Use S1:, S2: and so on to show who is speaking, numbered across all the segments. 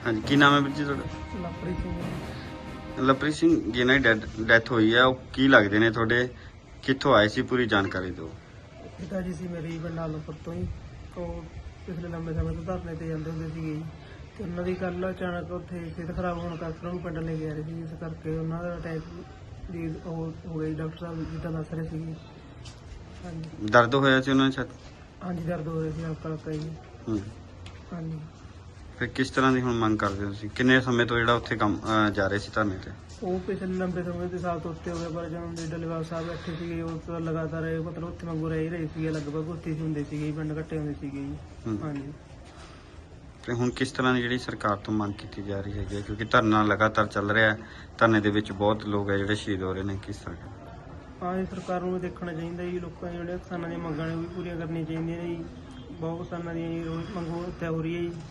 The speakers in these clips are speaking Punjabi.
S1: हाँ जी, की नाम है ਵੀਰ ਜੀ ਤੁਹਾਡਾ?
S2: ਲਵਪ੍ਰੀਤ ਸਿੰਘ।
S1: ਲਵਪ੍ਰੀਤ ਸਿੰਘ ਜਿਹਨਾਂ ਦੀ ਡੈਥ ਹੋਈ ਹੈ ਉਹ ਕੀ ਲੱਗਦੇ ਨੇ ਤੁਹਾਡੇ, ਕਿੱਥੋਂ ਆਏ ਸੀ, ਪੂਰੀ ਜਾਣਕਾਰੀ ਦਿਓ।
S2: ਪਿਤਾ ਜੀ ਸੀ ਮੇਰੀ ਬੰਡਾਲਪੁਰ ਤੋਂ ਹੀ, ਉਹ ਪਿਛਲੇ ਲੰਬੇ ਸਮੇਂ ਤੋਂ ਧਰਨੇ ਤੇ ਜਾਂਦੇ ਹੁੰਦੇ ਸੀਗੇ ਜੀ, ਤੇ ਉਹਨਾਂ ਦੀ ਕੱਲ ਅਚਾਨਕ ਉੱਥੇ ਸਿਹਤ ਖਰਾਬ ਹੋਣ ਕਰਕੇ ਉਹਨਾਂ ਨੂੰ ਪਿੰਡ ਲੈ ਕੇ ਆ ਰਹੇ ਸੀ, ਇਸ ਕਰਕੇ ਉਹਨਾਂ ਦਾ ਅਟੈਕ ਦੀ ਉਹ ਹੋ ਗਈ। ਡਾਕਟਰ ਸਾਹਿਬ ਜਿੱਦਾਂ ਦੱਸ ਰਹੇ ਸੀਗੇ। ਹਾਂਜੀ
S1: ਦਰਦ ਹੋਇਆ ਸੀ ਉਹਨਾਂ ਨੂੰ?
S2: ਹਾਂਜੀ, ਦਰਦ ਹੋ ਰਿਹਾ ਸੀ ਹਲਕਾ ਹਲਕਾ ਜੀ। ਹਾਂਜੀ।
S1: ਫਿਰ ਕਿਸ ਤਰ੍ਹਾਂ ਦੀ ਹੁਣ ਮੰਗ ਕਰਦੇ ਹੋ ਤੁਸੀਂ? ਕਿੰਨੇ ਸਮੇਂ ਤੋਂ ਜਿਹੜਾ ਉੱਥੇ ਕੰਮ ਜਾ ਰਹੇ ਸੀ ਧਰਨੇ ਤੇ?
S2: ਉਹ ਪਿਛਲੇ ਲੰਬੇ ਸਮੇਂ ਦੇ ਸਾਲ ਤੋਂ ਉੱਤੇ ਹੋ ਗਏ, ਪਰ ਜਦੋਂ ਦੇ ਡੱਲੇਵਾਲ ਸਾਹਿਬ ਬੈਠੇ ਸੀਗੇ ਉਹ ਤੋਂ ਲਗਾਤਾਰ ਮਤਲਬ ਉੱਥੇ ਵਾਂਗੂ ਰਹਿ ਹੀ ਰਹੇ ਸੀਗੇ, ਲਗਭਗ ਉੱਥੇ ਹੀ ਹੁੰਦੇ ਸੀਗੇ, ਪਿੰਡ ਇਕੱਠੇ ਹੁੰਦੇ ਸੀਗੇ ਜੀ। ਹਾਂਜੀ।
S1: ਤੇ ਹੁਣ ਕਿਸ ਤਰ੍ਹਾਂ ਦੀ ਜਿਹੜੀ ਸਰਕਾਰ ਤੋਂ ਮੰਗ ਕੀਤੀ ਜਾ ਰਹੀ ਹੈਗੀ ਹੈ, ਕਿਉਂਕਿ ਧਰਨਾ ਲਗਾਤਾਰ ਚੱਲ ਰਿਹਾ ਹੈ, ਧਰਨੇ ਦੇ ਵਿੱਚ ਬਹੁਤ ਲੋਕ ਹੈ ਜਿਹੜੇ ਸ਼ਹੀਦ ਹੋ ਰਹੇ ਨੇ, ਕਿਸ ਤਰ੍ਹਾਂ?
S2: ਹਾਂ ਜੀ, ਸਰਕਾਰ ਨੂੰ ਵੀ ਦੇਖਣਾ ਚਾਹੀਦਾ ਜੀ, ਲੋਕਾਂ ਦੀਆਂ ਜਿਹੜੀਆਂ ਕਿਸਾਨਾਂ ਦੀਆਂ ਮੰਗਾਂ ਨੇ ਉਹ ਵੀ ਪੂਰੀਆਂ ਕਰਨੀਆਂ ਚਾਹੀਦੀਆਂ ਨੇ ਜੀ। ਬਹੁਤ ਕਿਸਾਨਾਂ ਦੀਆਂ ਜੀ ਮੰਗੋ ਹੱਤਿਆ ਹੋ ਰਹੀ ਹੈ ਜੀ,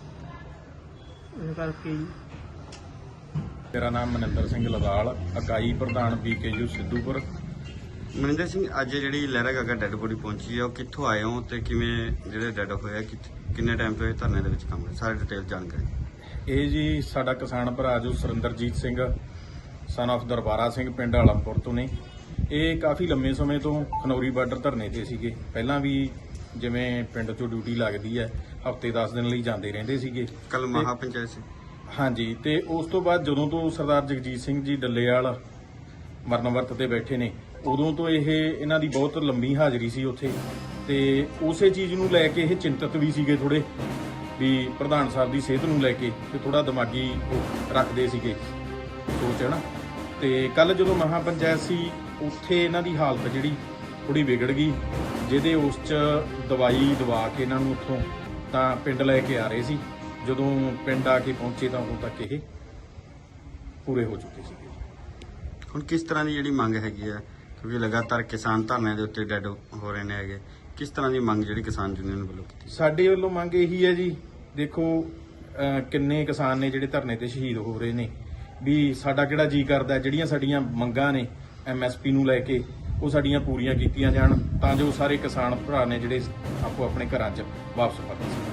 S2: ਇਸ ਕਰਕੇ ਜੀ।
S3: ਮੇਰਾ ਨਾਮ ਮਨਿੰਦਰ ਸਿੰਘ ਲਵਾਲ, ਇਕਾਈ ਪ੍ਰਧਾਨ BKU ਸਿੱਧੂਪੁਰ।
S1: ਮਨਿੰਦਰ ਸਿੰਘ, ਅੱਜ ਜਿਹੜੀ ਲਹਿਰਾ ਗਾਗਾ ਡੈੱਡ ਬੋਡੀ ਪਹੁੰਚੀ ਹੈ, ਉਹ ਕਿੱਥੋਂ ਆਏ ਹੋ ਤੇ ਕਿਵੇਂ ਜਿਹੜੇ ਡੈੱਡ ਹੋਇਆ, ਕਿੰਨੇ ਟਾਈਮ ਤੋਂ ਇਹ ਧਰਨੇ ਦੇ ਵਿੱਚ ਕੰਮ ਹੈ, ਸਾਰੇ ਡਿਟੇਲ ਜਾਣਕਾਰੀ।
S3: ਇਹ ਜੀ ਸਾਡਾ ਕਿਸਾਨ ਭਰਾ ਜੋ ਸੁਰਿੰਦਰਜੀਤ ਸਿੰਘ ਸਨ of ਦਰਬਾਰਾ ਸਿੰਘ ਪਿੰਡ ਆਲਮਪੁਰ ਤੋਂ ਨੇ। ਇਹ ਕਾਫੀ ਲੰਮੇ ਸਮੇਂ ਤੋਂ ਖਨੌਰੀ ਬਾਰਡਰ ਧਰਨੇ ਤੇ ਸੀਗੇ। ਪਹਿਲਾਂ ਵੀ ਜਿਵੇਂ ਪਿੰਡ 'ਚੋਂ ਡਿਊਟੀ ਲੱਗਦੀ ਹੈ, ਹਫ਼ਤੇ 10 ਦਿਨ ਲਈ ਜਾਂਦੇ ਰਹਿੰਦੇ ਸੀਗੇ।
S1: ਕੱਲ ਮਹਾ ਪੰਚਾਇਤ ਸੀ।
S3: ਹਾਂਜੀ, ਤੇ ਉਸ ਤੋਂ ਬਾਅਦ ਜਦੋਂ ਤੋਂ ਸਰਦਾਰ ਜਗਜੀਤ ਸਿੰਘ ਜੀ ਡੱਲੇਵਾਲ ਮਰਨ ਵਰਤ ਤੇ ਬੈਠੇ ਨੇ, ਉਦੋਂ ਤੋਂ ਇਹਨਾਂ ਦੀ ਬਹੁਤ ਲੰਮੀ ਹਾਜ਼ਰੀ ਸੀ ਉੱਥੇ, ਤੇ ਉਸੇ ਚੀਜ਼ ਨੂੰ ਲੈ ਕੇ ਇਹ ਚਿੰਤਤ ਵੀ ਸੀਗੇ ਥੋੜੇ, ਵੀ ਪ੍ਰਧਾਨ ਸਾਹਿਬ ਦੀ ਸਿਹਤ ਨੂੰ ਲੈ ਕੇ ਤੇ ਥੋੜਾ ਦਿਮਾਗੀ ਉਹ ਰੱਖਦੇ ਸੀਗੇ ਸੋਚ, ਹੈ ਨਾ। ਤੇ ਕੱਲ ਜਦੋਂ ਮਹਾ ਪੰਚਾਇਤ ਸੀ, ਉੱਥੇ ਇਹਨਾਂ ਦੀ ਹਾਲਤ ਜਿਹੜੀ ਥੋੜੀ ਵਿਗੜ ਗਈ, ਜਿਹਦੇ ਉਸ 'ਚ ਦਵਾਈ ਦਵਾ ਕੇ ਇਹਨਾਂ ਨੂੰ ਉੱਥੋਂ ਤਾਂ ਪਿੰਡ ਲੈ ਕੇ ਆ ਰਹੇ ਸੀ। ਜਦੋਂ ਪਿੰਡ ਆ ਕੇ ਪਹੁੰਚੇ ਤਾਂ ਉਦੋਂ ਤੱਕ ਇਹ ਪੂਰੇ ਹੋ ਚੁੱਕੇ ਸੀਗੇ।
S1: ਹੁਣ ਕਿਸ ਤਰ੍ਹਾਂ ਦੀ ਜਿਹੜੀ ਮੰਗ ਹੈਗੀ ਹੈ, ਕਿਉਂਕਿ ਲਗਾਤਾਰ ਕਿਸਾਨ ਧਰਨੇ ਦੇ ਉੱਤੇ ਡੈੱਡ ਹੋ ਰਹੇ ਨੇ ਹੈਗੇ, ਕਿਸ ਤਰ੍ਹਾਂ ਦੀ ਮੰਗ ਜਿਹੜੀ ਕਿਸਾਨ ਯੂਨੀਅਨ ਵੱਲੋਂ ਕੀਤੀ?
S3: ਸਾਡੇ ਵੱਲੋਂ ਮੰਗ ਇਹੀ ਹੈ ਜੀ, ਦੇਖੋ ਕਿੰਨੇ ਕਿਸਾਨ ਨੇ ਜਿਹੜੇ ਧਰਨੇ ਤੇ ਸ਼ਹੀਦ ਹੋ ਰਹੇ ਨੇ, ਵੀ ਸਾਡਾ ਕਿਹੜਾ ਜੀ ਕਰਦਾ ਜਿਹੜੀਆਂ ਸਾਡੀਆਂ ਮੰਗਾਂ ਨੇ MSP ਨੂੰ ਲੈ ਕੇ ਉਹ ਸਾਡੀਆਂ ਪੂਰੀਆਂ ਕੀਤੀਆਂ ਜਾਣ, ਤਾਂ ਜੋ ਸਾਰੇ ਕਿਸਾਨ ਭਰਾ ਨੇ ਜਿਹੜੇ ਆਪੋ ਆਪਣੇ ਘਰਾਂ 'ਚ ਵਾਪਸ ਪਰਤ ਸਕਣ।